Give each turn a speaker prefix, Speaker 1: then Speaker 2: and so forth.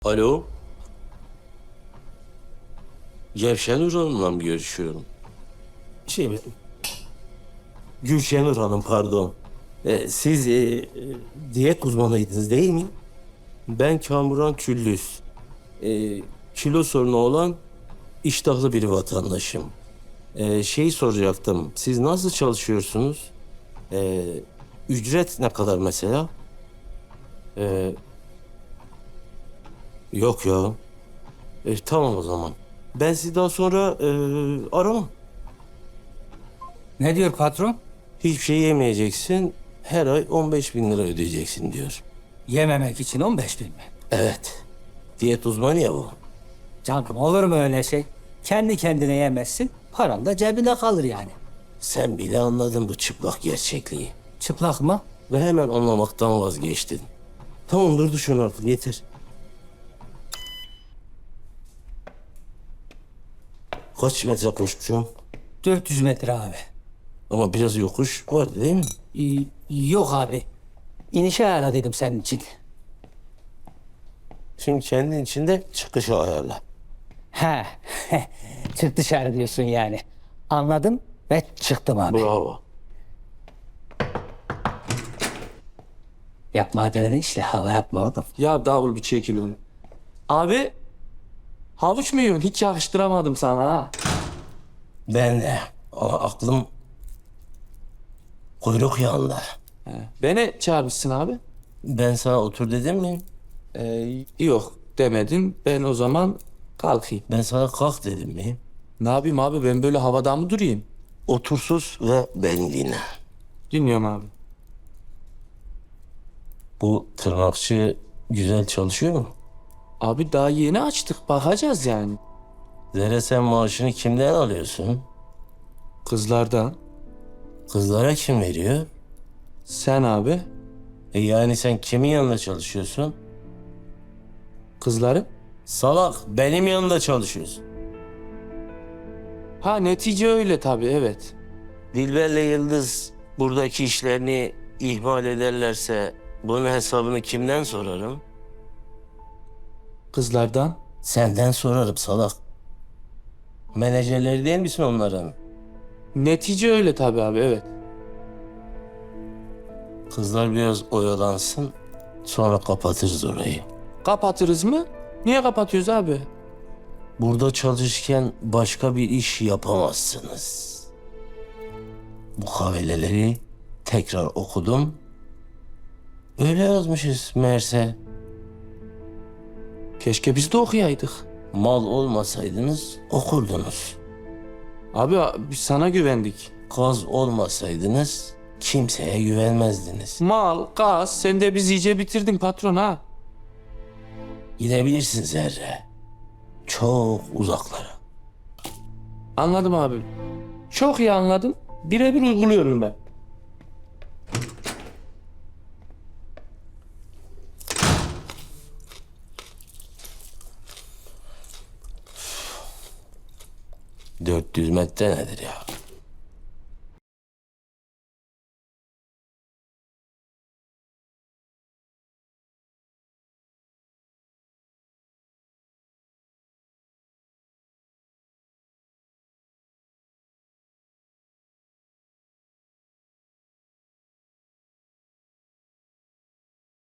Speaker 1: Alo. Gülşenur Hanım'la mı görüşüyorum? Gülşenur Hanım pardon. Siz diyet uzmanıydınız değil mi? Ben Kamuran Küllüz. Kilo sorunu olan iştahlı bir vatandaşım. Soracaktım. Siz nasıl çalışıyorsunuz? Ücret ne kadar mesela? Yok ya. Tamam o zaman. Ben sizi daha sonra aramam.
Speaker 2: Ne diyor patron?
Speaker 1: Hiçbir şey yemeyeceksin. Her ay 15 bin lira ödeyeceksin diyor.
Speaker 2: Yememek için 15 bin mi?
Speaker 1: Evet. Diyet uzmanı ya bu.
Speaker 2: Canım olur mu öyle şey? Kendi kendine yemezsin, paran da cebinde kalır yani.
Speaker 1: Sen bile anladın bu çıplak gerçekliği.
Speaker 2: Çıplak mı?
Speaker 1: Ve hemen anlamaktan vazgeçtin. Tamam dur şunu artık yeter. Kaç metre koşmuşum?
Speaker 2: 400 metre abi.
Speaker 1: Ama biraz yokuş var değil mi?
Speaker 2: Yok abi. İnişe ayarla dedim senin için.
Speaker 1: Şimdi kendin içinde çıkışı ayarla.
Speaker 2: He. Çık dışarı diyorsun yani. Anladım ve çıktım abi.
Speaker 1: Bravo.
Speaker 2: Yapma dedin işte hava yapma oğlum.
Speaker 3: Ya davul bir çekil onu. Abi havuç mu yiyorsun? Hiç yakıştıramadım sana ha.
Speaker 1: Ben de. Ama aklım kuyruk yağında.
Speaker 3: Beni çağırmışsın abi.
Speaker 1: Ben sana otur dedim mi?
Speaker 3: Yok demedin. Ben o zaman kalkayım.
Speaker 1: Ben sana kalk dedim mi?
Speaker 3: Ne yapayım abi, ben böyle havada mı durayım?
Speaker 1: Otursuz ve beni dinle.
Speaker 3: Dinliyorum abi.
Speaker 1: Bu tırnakçı güzel çalışıyor mu?
Speaker 3: Abi daha yeni açtık, bakacağız yani.
Speaker 1: Zerre sen maaşını kimden alıyorsun?
Speaker 3: Kızlardan.
Speaker 1: Kızlara kim veriyor?
Speaker 3: Sen abi.
Speaker 1: Yani sen kimin yanında çalışıyorsun?
Speaker 3: Kızları.
Speaker 1: Salak benim yanında çalışıyorsun.
Speaker 3: Ha netice öyle tabii, evet.
Speaker 1: Dilber'le Yıldız buradaki işlerini ihmal ederlerse bunun hesabını kimden sorarım?
Speaker 3: Kızlardan.
Speaker 1: Senden sorarım salak. Menajerleri değil misin onların?
Speaker 3: Netice öyle tabii abi, evet.
Speaker 1: Kızlar biraz oyalansın sonra kapatırız orayı.
Speaker 3: Kapatırız mı? Niye kapatıyoruz abi?
Speaker 1: Burada çalışırken başka bir iş yapamazsınız. Bu kaveleleri tekrar okudum. Öyle yazmışız meğerse.
Speaker 3: Keşke biz de okuyaydık.
Speaker 1: Mal olmasaydınız okurdunuz.
Speaker 3: Abi biz sana güvendik.
Speaker 1: Kaz olmasaydınız kimseye güvenmezdiniz.
Speaker 3: Mal, gaz, sen de bizi iyice bitirdin patron ha.
Speaker 1: Gidebilirsin Zerre. Çok uzaklara.
Speaker 3: Anladım abi. Çok iyi anladım. Birebir uyguluyorum ben.
Speaker 1: ...400 metre nedir ya?